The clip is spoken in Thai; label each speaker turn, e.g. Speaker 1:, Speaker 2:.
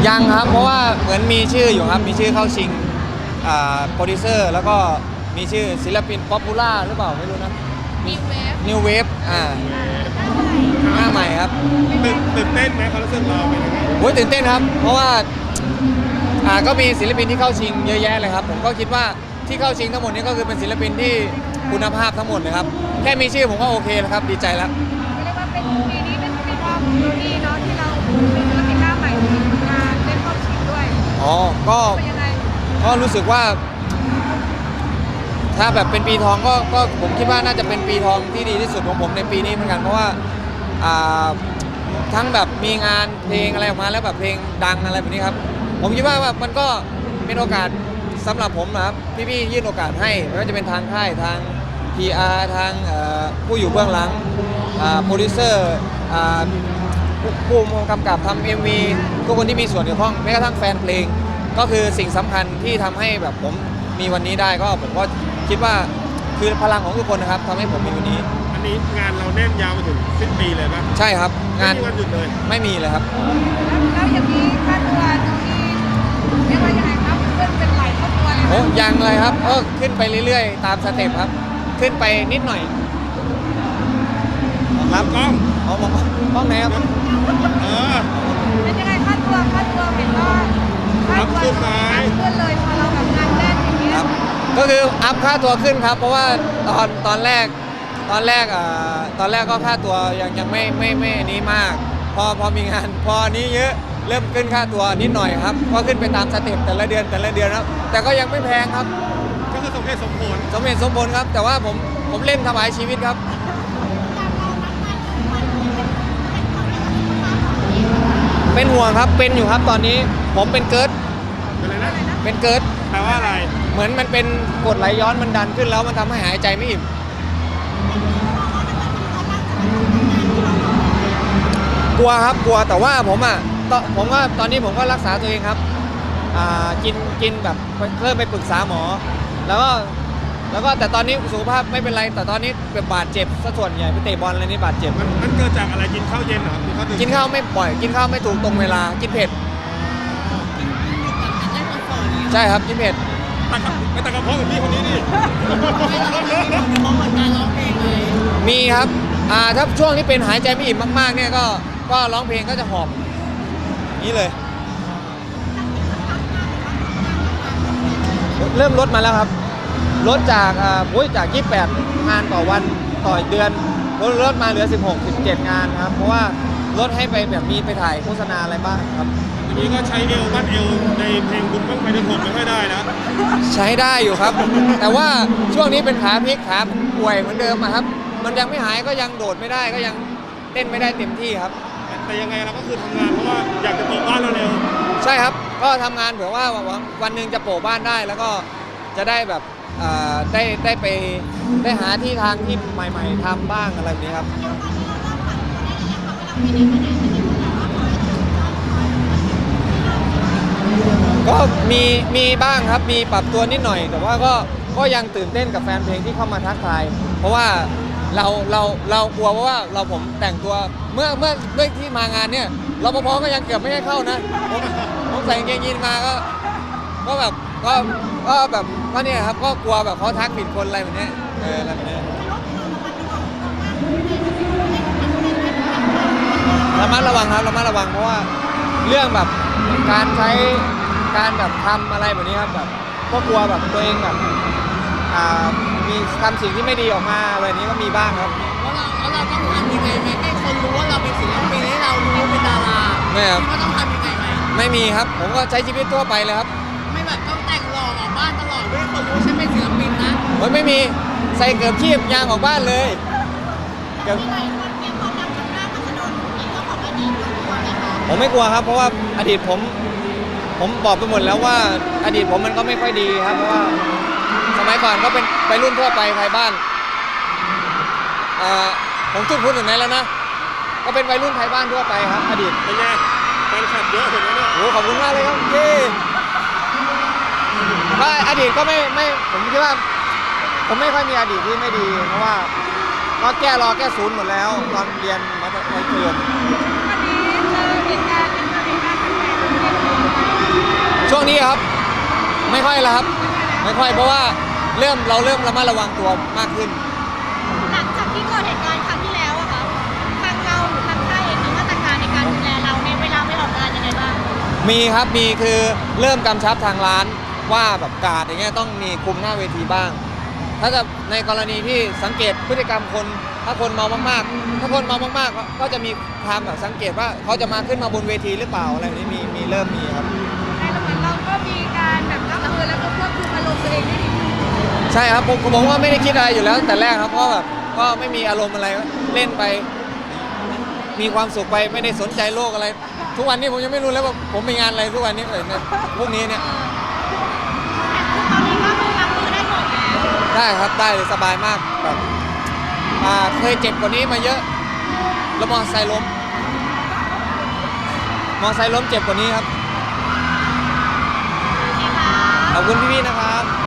Speaker 1: ยังครับเพราะว่าเหมือนมีชื่ออยู่ครับมีชื่อเข้าชิงโปรดิวเซอร์แล้วก็มีชื่อศิลปินป๊อปปูล่าหรือเปล่าไม่รู้นะNew Wave หน้าใหม่ครับ
Speaker 2: ตื่นเต้นไหมเขารู้สึกเราเป็นยังไง
Speaker 1: โอ้ยตื่นเต้นครับเพราะว่าก็มีศิลปินที่เข้าชิงเยอะแยะเลยครับผมก็คิดว่าที่เข้าชิงทั้งหมดนี้ก็คือเป็นศิลปินที่คุณภาพทั้งหมดเลยครับแค่มีชื่อผมก็โอเคแล้วครับดีใจแล้ว
Speaker 3: เรียกว่าเป็นปีนี้เป็นปีทองของเราดีเนาะที่เราเป็นศิลปินหน้าใหม่มาเล่นเข้าชิงด้วย
Speaker 1: อ๋อ
Speaker 3: เป็นยังไง
Speaker 1: ก็รู้สึกว่าถ้าแบบเป็นปีทองก็ผมคิดว่าน่าจะเป็นปีทองที่ดีที่สุดของผมในปีนี้เหมือนกันเพราะว่าทั้งแบบมีงานเพลงอะไรออกมาแล้วแบบเพลงดังอะไรแบบนี้ครับผมคิดว่ามันก็เป็นโอกาสสำหรับผมนะครับพี่ๆยื่นโอกาสให้ไม่ว่าจะเป็นทางค่ายทาง PR ทางผู้อยู่เบื้องหลังโปรดิวเซอร์ผู้กำกับทำ MV ทุกคนที่มีส่วนเกี่ยวข้องแม้กระทั่งแฟนเพลงก็คือสิ่งสำคัญที่ทำให้แบบผมมีวันนี้ได้ก็ผมก็คิดว่าคือพลังของทุกคนนะครับทำให้ผมมีวันนี้
Speaker 2: อันนี้งานเราแน่นยาวไปถึงสิ้นปีเลยป่ะ
Speaker 1: ใช่ครับงาน
Speaker 2: ไม่มีวันหยุดเลย
Speaker 1: ไม่มีเลยครับ
Speaker 3: แล้วอย่างนี้ค่าตัวตรงนี้เรียกว่ายังไงครับเพื่อนเป็นไหลเข้าตัวเลย
Speaker 1: โอ้ยังเลยครับขึ้นไปเรื่อยๆตามสเต็ปครับขึ้นไปนิดหน่อย
Speaker 2: รับกล้อง
Speaker 1: มองไหนครับ
Speaker 3: เป็นยังไงค่าตัวเห็นว่าค่าตัวขึ้นเลยพอเราแบบงานแน่นอย่างนี้
Speaker 1: ก็คืออัพค่าตัวขึ้นครับเพราะว่าตอนแรกก็ค่าตัวยังไม่นี้มากพอมีงานพอนี้เยอะเริ่มขึ้นค่าตัวนิดหน่อยครับก็ขึ้นไปตามสเต็ปแต่ละเดือนครับแต่ก็ยังไม่แพงครับ
Speaker 2: ก็คือสมเหตุสมผล
Speaker 1: ครับแต่ว่าผมเล่นถวายชีวิตครับเป็นห่วงครับเป็นอยู่ครับตอนนี้ผมเป็นเกิร์ด
Speaker 2: อะไรนะ
Speaker 1: เป็นเกิร์ด
Speaker 2: แปลว่าอะไร
Speaker 1: เหมือนมันเป็นกรดไหลย้อนมันดันขึ้นแล้วมันทำให้หายใจไม่อิ่มกลัวครับกลัวแต่ว่าผมว่าตอนนี้ผมก็รักษาตัวเองครับกินแบบเริ่มไปปรึกษาหมอแล้วก็แต่ตอนนี้สุขภาพไม่เป็นไรแต่ตอนนี้แบบบาดเจ็บซะส่วนใหญ่ไปเตะบอลอะไรนี่บาดเจ็บ
Speaker 2: มันเกิดจากอะไรกินข้าวเย็นเหรอ
Speaker 1: กินข้าวไม่ปล่อยกินข้าวไม่ถูกตรงเวลากินเผ็ดใช่ครับกินเผ็ด
Speaker 2: ไปตะกระเพาะกับพี่คนนี้ดิ
Speaker 1: มีครับถ้าช่วงที่เป็นหายใจไม่อิ่มมากๆเนี่ยก็ร้องเพลงก็จะหอบนี่เลยเริ่มลดมาแล้วครับลดจาก28งานต่อวันต่อเดือนลดมาเหลือ16-17 งานครับเพราะว่าลดให้ไปแบบมีไปถ่ายโฆษณาอะไรบ้างครับ
Speaker 2: ทีนี้ก็ใช้บ้านเอวในเพลงบุญบ้างไฟเดือน6ไม่ค่อยได้นะ
Speaker 1: ใช้ได้อยู่ครับ แต่ว่าช่วงนี้เป็นขาพลิกขาป่วยเหมือนเดิมครับมันยังไม่หายก็ยังโดดไม่ได้ก็ยังเต้นไม่ได้เต็มที่ครับ
Speaker 2: แต่ยังไงเราก็คือทำงานเพราะว่าอยากจะโปะบ้านเร็ว
Speaker 1: ใช่ครับก็ทำงานเผื่อว่าวันหนึ่งจะโปะบ้านได้แล้วก็จะได้แบบได้ไปได้หาที่ทางที่ใหม่ๆทำบ้างอะไรแบบนี้ครับก็มีบ้างครับมีปรับตัวนิดหน่อยแต่ว่าก็ยังตื่นเต้นกับแฟนเพลงที่เข้ามาทักทายเพราะว่าเรากลัวว่าผมแต่งตัวเมื่อด้วยที่มางานเนี่ยรปภก็ยังเกือบไม่ให้เข้านะผมใส่กางเกงยีนมาก็แบบก็เนี่ยครับก็กลัวแบบเขาทักผิดคนอะไรแบบนี้อะไรแบบนี้ระมัดระวังครับระมัดระวังเพราะว่าเรื่องแบบการใช้การแบบทำอะไรแบบนี้ครับแบบก็กลัวแบบตัวเองแบบมีทำสิ่งที่ไม่ดีออกมาอะไรนี้ก็มีบ้างครับ
Speaker 4: แล้วเราต้องทำยังไงไหมให้คนรู้ว่าเราเป็นศิลปินให้เรารู้เป็นดารา
Speaker 1: ไม่ครับ
Speaker 4: ว่าต้องทำยังไงไหม
Speaker 1: ไม่มีครับผมก็ใช้ชีวิตทั่วไปเลยครับ
Speaker 4: ไม่แบบต้องแต่งหล่อออกบ้านตลอดด้วยคนรู้ฉันเป็นศิลปินนะ
Speaker 1: ไม่มีใส่เกือบชีพยางออกบ้านเลยผมไม่กลัวครับเพราะว่าอดีตผมบอกไปหมดแล้วว่าอดีตผมมันก็ไม่ค่อยดีครับเพราะว่าสมัยก่อนก็เป็นไปรุ่นทั่วไปไทยบ้านผมพูดถึงไหนแล้วนะก็เป็นวัยรุ่นไทยบ้านทั่วไปครับอดีต
Speaker 2: เป็นไงแฟนคลับเยอะเห็นไหมเนี่ย
Speaker 1: โอ้ขอบคุณมากเลยครับก็อดีตก็ไม่ผมคิดว่าผมไม่ค่อยมีอดีตที่ไม่ดีเพราะว่าก็แก้ศูนย์หมดแล้วตอนเรียนมัธยม
Speaker 3: วันนี้เจอเหตุการณ์เป็นเหตุการณ์แปลกๆ
Speaker 1: ช่วงนี้ครับไม่ค่อยแล้วครับไม่ค่อยเพราะว่าเราเริ่มระมัดระวังตัวมากขึ้น
Speaker 3: หลังจากที่เกิดเหตุการณ์ครั้งที่แล้วอะค่ะทางเราหรือทางค่ายเองมีมาตรการในการดูแลเราในเวลาไปออกงานยังไงบ้าง
Speaker 1: มีครับมีคือเริ่มกำชับทางร้านว่าแบบการ์ดอย่างเงี้ยต้องมีคุมหน้าเวทีบ้าง ถ้าจะในกรณีที่สังเกตพฤติกรรมคนถ้าคนเมามากๆถ้าคนเมามากๆก็จะมีความแบบสังเกตว่าเขาจะมาขึ้นมาบนเวทีหรือเปล่าอะไรแบบนี้มีเริ่มมีครับ
Speaker 3: ในระหว่างเราก็มีการแบบรับมือแล้วก็ควบคุมอารมณ์ตัวเองได้ดีขึ้น
Speaker 1: ใช่ครับผมว่าไม่ได้คิดอะไรอยู่แล้วแต่แรกครับเพราะแบบก็ไม่มีอารมณ์อะไรเล่นไป มีความสุขไปไม่ได้สนใจโลกอะไร ทุกวันนี้ผมยังไม่รู้แล้วว่าผมมีงานอะไรทุกวันนี้เนี่ยพวกนี้เนี่ย
Speaker 3: ตอนนี้ก็คือรับมือได้หมดแล้ว
Speaker 1: ได้ครับได้เลยสบายมากแบบเคยเจ็บกว่านี้มาเยอะแล้วมอเตอร์ไซค์ล้มเจ็บกว่านี้ครับ
Speaker 3: โอเคค่ะ
Speaker 1: ขอบคุณพี่ๆนะครับ